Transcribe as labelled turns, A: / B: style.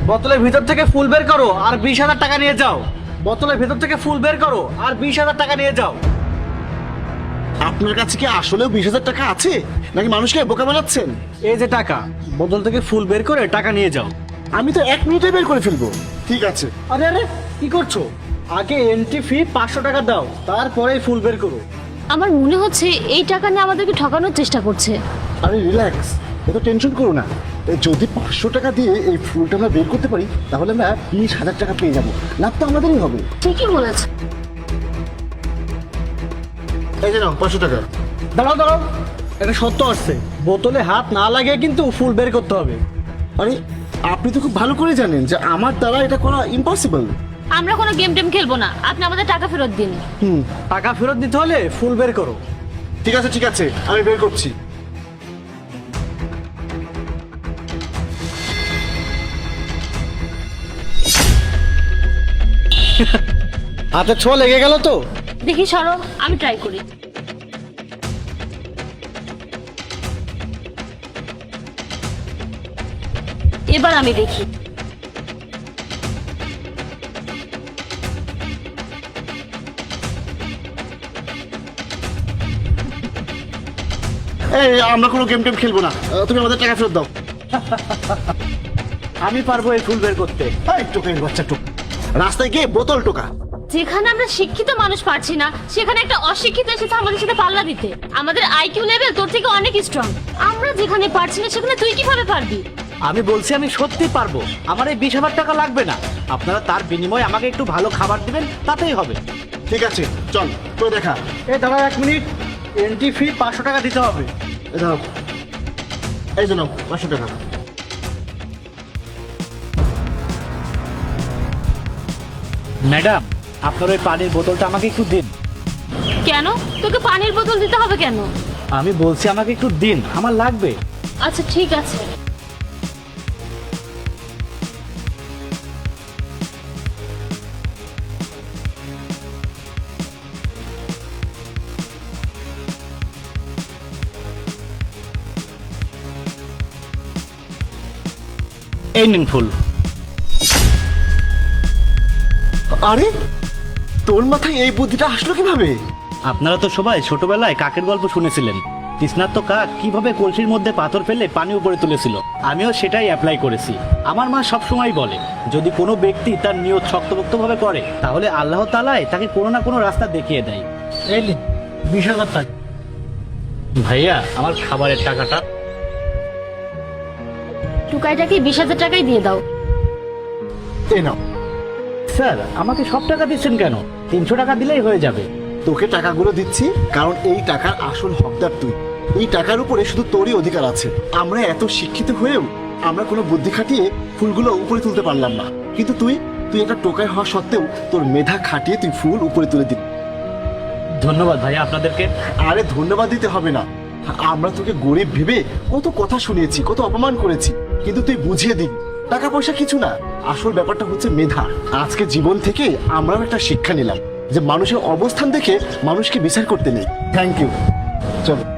A: বোতলের ভিতর থেকে ফুল বের করো আর 20,000 টাকা নিয়ে যাও। বোতলের ভিতর থেকে ফুল বের করো আর 20,000 টাকা নিয়ে যাও।
B: আপনার কাছে কি আসলেও 20,000 টাকা আছে, নাকি মানুষকে বোকা বানাচ্ছেন?
A: এই যে টাকা, বোতল থেকে ফুল বের করে টাকা নিয়ে যাও।
B: আমি তো 1 মিনিটে বের করে ফেলবো। ঠিক আছে।
A: আরে আরে, কি করছো? আগে এন্ট্রি ফি 500 টাকা দাও, তারপরেই ফুল বের করো।
C: আমার মনে হচ্ছে এই টাকা নিয়ে আমাদেরকে ঠকানোর চেষ্টা করছে।
B: আরে রিল্যাক্স, এত টেনশন করো না। যদি 500 টাকা দিয়ে এই ফুলটা আমরা বের করতে পারি, তাহলে আমরা 20,000 টাকা পেয়ে যাবো। লাভ তো আমাদেরই হবে।
C: ঠিকই বলেছে।
B: এই যে নাও 500 টাকা।
A: দাঁড়াও দাঁড়াও, এটা সত্য আসছে, বোতলে হাত না লাগিয়ে কিন্তু ফুল বের করতে হবে।
B: আরে আপনি তো খুব ভালো করে জানেন যে আমার দ্বারা এটা করা ইম্পসিবল।
C: আমরা কোনো গেম টেম খেলবো না, আপনি আমাদের টাকা ফেরত দিন।
A: টাকা ফেরত দিতে হলে ফুল বের করো।
B: ঠিক আছে ঠিক আছে, আমি বের করছি।
A: হাতে ছোঁয়া লেগে গেল তো?
C: দেখি সরো, আমি ট্রাই করি। এবার আমি দেখি।
B: এই আমরা কোনো গেম টেম খেলবো না, তুমি আমাদের টাকা ফেরত দাও।
A: আমি পারবো এই ফুল বের করতে।
B: এই টোকের বাচ্চা টোক, রাস্তায় গিয়ে বোতল টোকা।
C: যেখানে আমরা শিক্ষিত মানুষ পাচ্ছি না, সেখানে একটা অশিক্ষিত এসেছে আমাদের সাথে পাল্লা দিতে। আমাদের আইকিউ লেভেল তোর থেকে অনেক স্ট্রং। আমরা যেখানে পারছি না, সেখানে তুই কিভাবে পারবি?
A: আমি বলছি আমি সত্যি পারবো। আমার এই 20,000 টাকা লাগবে না, আপনারা তার বিনিময়ে আমাকে একটু ভালো খাবার দিবেন, তাতেই হবে।
B: ঠিক আছে চল, করে দেখা।
A: এই দাঁড়া 1 মিনিট, এন্ট্রি ফি 500 টাকা দিতে হবে।
B: এই দাও, এই যে নাও 500 টাকা।
A: ম্যাডাম, আপনার ওই পানির বোতলটা আমাকে একটু দিন।
C: কেন তোকে পানির বোতল দিতে হবে কেন?
A: আমি বলছি আমাকে একটু দিন, আমার লাগবে।
C: আচ্ছা ঠিক আছে।
A: এই নিন ফুল।
B: আরে তোর মাথায় এই বুদ্ধিটা আসলো কিভাবে?
A: আপনারা তো সবাই ছোটবেলায় কাকের গল্প শুনেছিলেন। তৃষ্ণার্ত কাক কিভাবে কলসির মধ্যে পাথর ফেলে পানি উপরে তুলেছিল, আমিও সেটাই অ্যাপ্লাই করেছি। আমার মা সবসময় বলে, যদি কোনো ব্যক্তি তার নিয়ত শক্তপোক্তভাবে করে, তাহলে আল্লাহ তাআলাই তাকে কোনো না কোনো রাস্তা দেখিয়ে দেয়। এই নিন 20,000 টাকা। ভাইয়া, আমার খাবারের টাকাটা।
C: টুকাইটাকে 20,000 টাকাই দিয়ে দাও।
B: এই নাও।
A: স্যার, আমাকে সব টাকা দিচ্ছেন কেন? 300 টাকা দিলেই হয়ে যাবে।
B: তোকে টাকাগুলো দিচ্ছি কারণ এই টাকার আসল হকদার তুই। এই টাকার উপরে শুধু তোরই অধিকার আছে। আমরা এত শিক্ষিত হয়েও আমরা কোনো বুদ্ধি খাটিয়ে ফুলগুলো উপরে তুলতে পারলাম না, কিন্তু তুই একটা টোকাই হওয়া সত্ত্বেও তোর মেধা খাটিয়ে তুই ফুল উপরে তুলে দিবি।
A: ধন্যবাদ ভাইয়া আপনাদেরকে।
B: আরে ধন্যবাদ দিতে হবে না, আমরা তোকে গরিব ভেবে কত কথা শুনিয়েছি, কত অপমান করেছি, কিন্তু তুই বুঝিয়ে দিবি টাকা পয়সা কিছু না, আসল ব্যাপারটা হচ্ছে মেধা। আজকে জীবন থেকে আমরাও একটা শিক্ষা নিলাম যে মানুষের অবস্থান দেখে মানুষকে বিচার করতে নেই। Thank you. চলো।